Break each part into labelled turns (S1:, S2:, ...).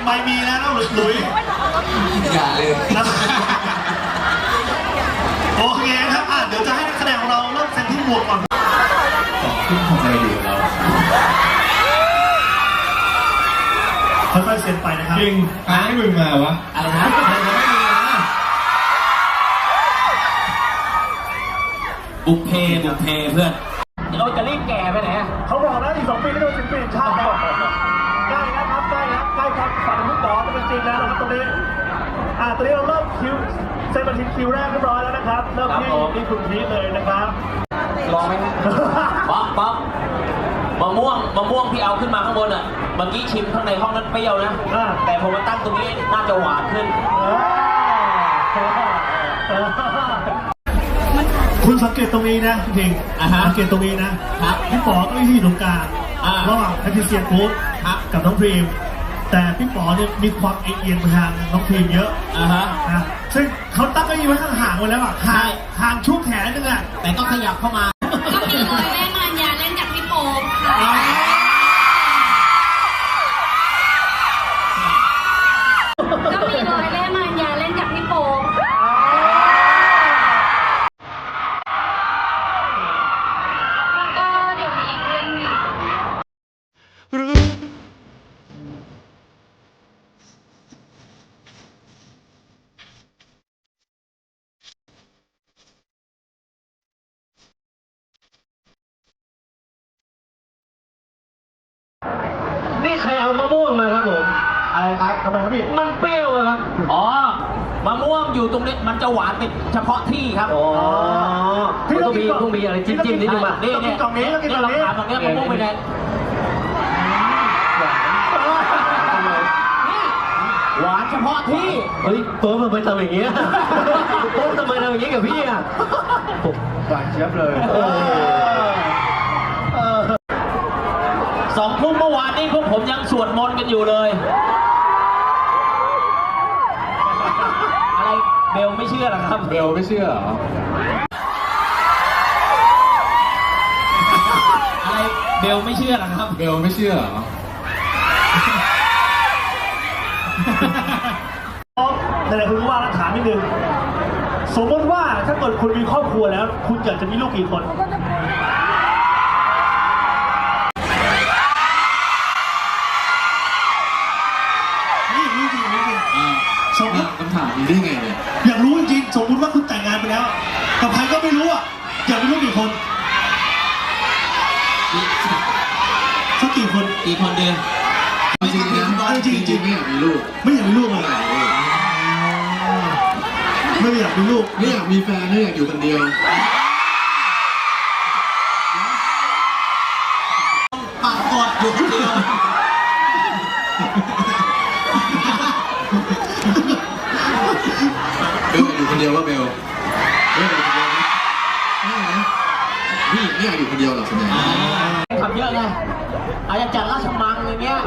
S1: ไปมีแล้วนะหลุย
S2: อย่าเลย
S1: โอเคครับเดี๋ยวจะให้นักแสดงของเราเริ่มเซ็นที่หมวกก่อน
S2: ขึ้นทำอะไรอยู่เรา
S1: ค่อยๆเซ็นไปนะครับ
S2: จริงให้มึงมาวะอะไรนะบุกเพเพื่อนเราจะรีบแก่ไปไหน
S1: เขาบอกนะอีก2 ปีก็โดนศิลปินชาติแล้วใกล้นะครับใกล้ครับฝันลูกดอกจะเป็นจริงแล้วนะครับตรงนี้ตอนนี้เราเริ่มคิวเซ็นบัญชีคิวแรกเรียบร้อยแล้วนะครับเริ่มที่คุณพีทเลยนะครับ
S2: ลองไหมป๊อปมะม่วงที่เอาขึ้นมาข้างบนอ่ะเมื่อกี้ชิมข้างในห้องนั้นเปรี้ยวนะแต่พอมาตั้งตรงนี้น่าจะหวานขึ้น
S1: คุณสังเกตตรงนี้นะจริงสังเกตตรงนี้นะพี่ป๋อก็อยู่ตรงกลางระหว่างแพทริเซียปุ๊บกับน้องพรีมแต่พี่ป๋อเนี่ยมีความเอียงไปทางน้องพรีมเยอะซึ่งเขาตั้งเก้าอี้ไว้ห่างๆไว้แล้วห่างช่วงแขนนึง
S2: แต่ก็ขยับเข้ามา
S3: ก็มีรอยแม่มารยาเล่นกับพี่โป๊ปค่ะก็มีรอยแม่มารยาเล่นกับพี่โป๊ปแล้วก็เดี๋ยวมีอีกเรื่องนึง
S1: นี่ใครเอามะม่วงมาครับผมอะไรครับทำไมครับพี่มันเปรี้ยวครับ
S2: มะม่วงอยู่ตรงนี้มันจะหวานเป็นเฉพาะที่ครับ
S1: พี่ต้องมีอะไรจิ้มนิดนึงมา
S2: นี่
S1: กล่องนี้ต้องกินกล่องนี้
S2: ตรงนี้มะม่วงไปไหนหวานเฉพาะที่
S1: เฮ้ยโป๊ปมันไปทำอย่างเงี้ยโป๊ปทำไมทำอย่างเงี้ยกับพี่หวานเจี๊ยบเลย
S2: 2 ทุ่มเมื่อวานนี้พวกผมยังสวดมนต์กันอยู่เลยอะไรเบลไม่เชื่อหรอครับ
S1: เบลไม่เชื่อ
S2: อะไรเบลไม่เชื่อหรอครับ
S1: เบลไม่เชื่อแต่คุณว่าถามนิดนึงสมมติว่าถ้าเกิดคุณมีครอบครัวแล้วคุณอยากจะมีลูกกี่คน
S2: สมมติ
S1: คำถามนี้ได้ไงเนี่ยอยากรู้จริงๆสมมติว่าคุณแต่งงานไปแล้วกับใครก็ไม่รู้อยากมีลูกกี่คนสักกี่คน
S2: เดือน
S1: จริงนะจริงไม่อยากมีลูกไม่อยากมีลูกอะไรไม่อยากมีลูกไม่อยากมีแฟนไม่อยากอยู่คนเดียว
S2: ปากกอดอยู่คนเดียว
S1: เบลอยู่คนเดียวว่าเบลอยู่คนเดียวนะพี่ไม่อยากอยู่คนเดียวหรอกส่วนใหญ่
S2: ทำเยอะไงอาจจะจัดราชมังอย่างเงี้ย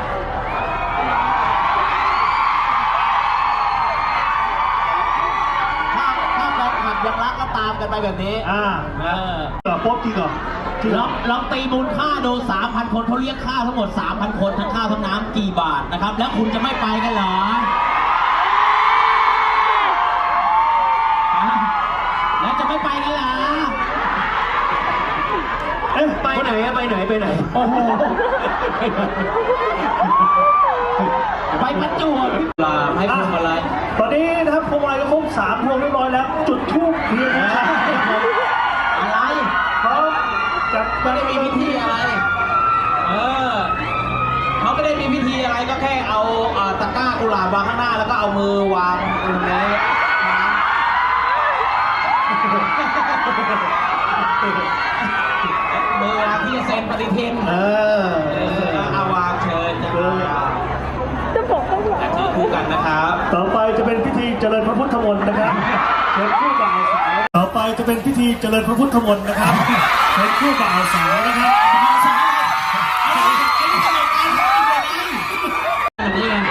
S2: ถ้าแฟนคลับยังรักก็ตามกันไปแบบนี้
S1: โป๊ปจริงเหรอ
S2: ลองตีมูลค่าดู 3,000 คนเขาเรียกค่าทั้งหมด 3,000 คนทั้งข้าวทั้งน้ำกี่บาทนะครับแล้วคุณจะไม่ไปกันเหรอแล้วจะไม่ไปกันเหรอ
S1: ไปไหน
S2: โอ้โหไปประจวบลาให้พวงมาลัย
S1: ตอนนี้นะครับพวงมาลัยก็ครบ3 พวงเรียบร้อยแล้วจุดธูปเทียน
S2: อะไร
S1: เขาจะ
S2: ไม่ได้มีพิธีอะไรเขาไม่ได้มีพิธีอะไรก็แค่เอาตะกร้ากุหลาบวางข้างหน้าแล้วก็เอามือวางตรงนี้มือวางที่จะเซ็นปฏิทินเอาวางเชิญจะบอกต้องถือคู่กันนะครับ
S1: ต่อไปจะเป็นพิธีเจริญพระพุทธมนต์นะครับเชิญคู่บ่าวสาวต่อไปจะเป็นพิธีเจริญพระพุทธมนต์นะครับเชิญคู่บ่าวสาวนะครับ
S2: นี่ไง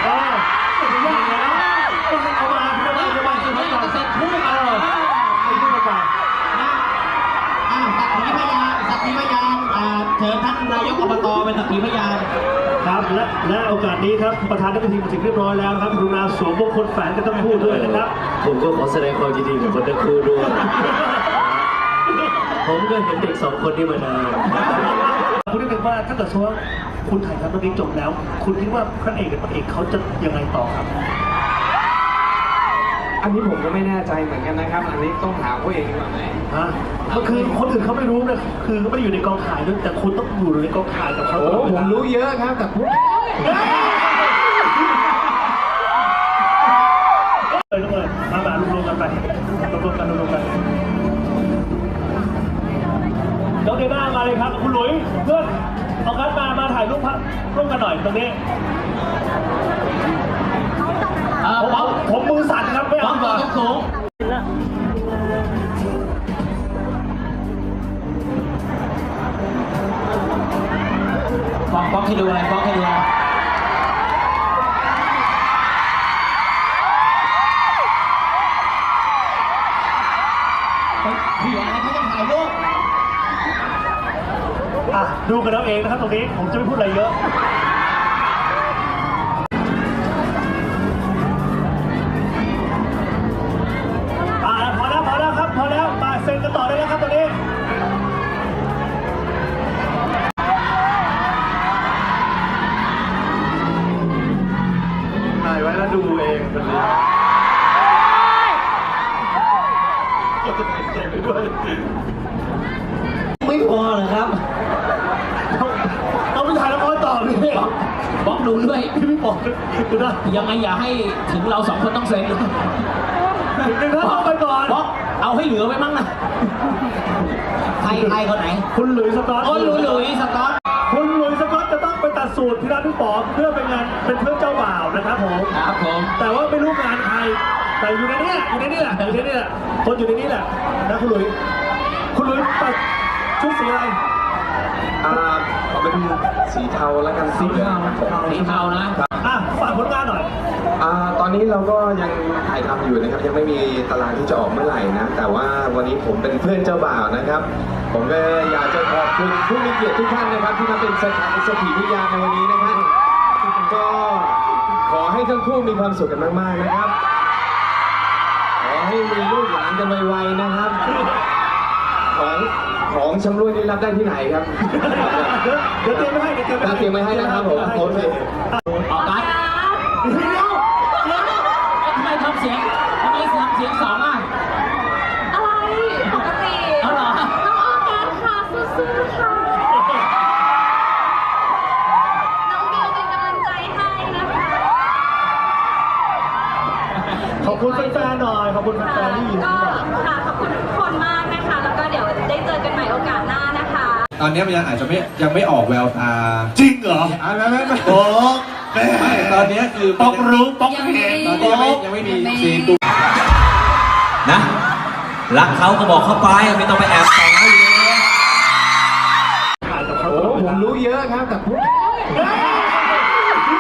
S2: สักขีพยานเชิญท่านนายกอบตเป็นสักขีพยาน
S1: ครับและโอกาสนี้ครับประธานนักทีมมาถึงเรียบร้อยแล้วครับกรุณาสวมมงคลแฝงกันทั้งคู่ด้วยนะครับ
S4: ผมก็ขอแสดงความยินดีกับคนทั้งคู่ด้วย ผมก็เห็นเด็กสองคนนี้มานาน
S1: คุณนึกว่าถ้าเกิดว่าคุณถ่ายทำตรงนี้จบแล้ว คุณคิดว่าพระเอกกับนางเอกเขาจะยังไงต่อครับ
S5: อันนี้ผมก็ไม่แน่ใจเหมือนกันนะครับ อันนี้ต้องถามเขาเองดีกว่าไหม
S1: ฮะก็คือคนอื่นเขาไม่รู้นะคือเขาไม่ได้อยู่ในกองถ่ายด้วยแต่คุณต้องอยู่ในกองถ่ายกับเขา
S5: โอ้
S1: ตลอดเว
S5: ผม
S1: ลา
S5: รู้เยอะครับ แต่พูด
S1: เลยมาแบบรวมๆกันไปรวมๆกันน้องเดน่ามาเลยครับคุณหลุยเพื่อนเอาคัดมาถ่ายรูปร่วมกันหน่อยตรงนี้
S2: ป๊อป
S1: ผมมือสั่นครับไม่
S2: ป๊อ
S1: เอา
S2: ปตัวสูงป๊อกให้ดูอะไรป๊อกให้ดูอะไรเผื่ออะไรเขาจะถ่ายรูป
S1: ดูกันเอาเองนะครับตรงนี้ผมจะไม่พูดอะไรเยอะพอแล้วครับพอแล้วมาเซ็นกันต่อเลยนะครับตรงนี้ถ่ายไว้แล้วดูเองคนนี้ก็จะเซ็นไปด้วย
S4: ไม่พอเหรอครับ
S1: เอาไปถ่ายละครต่อพี่
S2: ป๊อกดูด้วย
S1: พี่บอกดูนะ
S2: ยังไงอย่าให้ถึงเราสองคนต้องเซ็น
S1: ถึงท่านต้องไปก่อน
S2: ป๊อกเอาให้เหลือไว้มั้งนะใครคนไหน
S1: คุณหลุยส์สก๊อต
S2: โอ้ยหลุยสก๊อต
S1: คุณหลุยส์สก๊อตจะต้องไปตัดสูตรที่ร้านพี่ป๋อเพื่อเป็นงานเป็นเพื่อนเจ้าบ่าวนะครับผม
S2: ครับผม
S1: แต่ว่าไม่รู้งานใครแต่อยู่ในนี้แหละคนอยู่ในนี้แหละนะคุณหลุยตัดชุดสีอะไร
S5: เอาเป็นสีเทาแล้วกัน
S1: สีเทา
S2: สีเทานะ
S1: ฝากผลงานหน่อย
S5: ตอนนี้เราก็ยังถ่ายทำอยู่นะครับยังไม่มีตารางที่จะออกเมื่อไหร่นะแต่ว่าวันนี้ผมเป็นเพื่อนเจ้าบ่าวนะครับ ผมก็อยากจะขอบคุณผู้มีเกียรติทุกท่านนะครับที่มาเป็นสักขีพยานในวันนี้นะครับก็ขอให้ทั้งคู่มีความสุขกันมากๆนะครับขอให้มีลูกหลานกันไวๆนะครับของชำร่วยนี่รับได้ที่ไหนครับ
S1: เดี๋ยวเตรียมไม่ให้
S5: เตรียมไว้ให้นะครับผมโอเค
S2: ออกกันทำไมทำเสียงสองอ่ะ
S3: อะไรปกติ
S2: เอาเหรอ
S3: น้องออกัสค่ะสู้ๆค่ะน้องเบลเป็นกำลังใจให้นะคะ
S1: ขอบคุณแฟนๆหน่อยขอบคุณแฟนๆที่อยู่
S3: ก็ค่ะขอบคุณทุกคนมากนะคะ แล้วก็เดี๋ยวได้เจอกันใหม่โอกาสหน้านะคะ
S5: ตอนนี้มันอาจจะยังไม่ออกแววตา
S1: จริงเหรอ
S5: ไม่
S1: โอ้แม่
S5: ตอนนี้คือ
S1: ป๊อกรู้ป๊อกเห็น
S5: ตอนนี้ยังไม่มีซีนตัว
S4: นะรักเขาก็บอกเขาไปไม่ต้องไปแอบส่องเขาอยู่เลย
S1: ถ่ายกับเขา
S5: โอ้ผมรู้เยอะครับแต่พูด
S1: เฮ้ย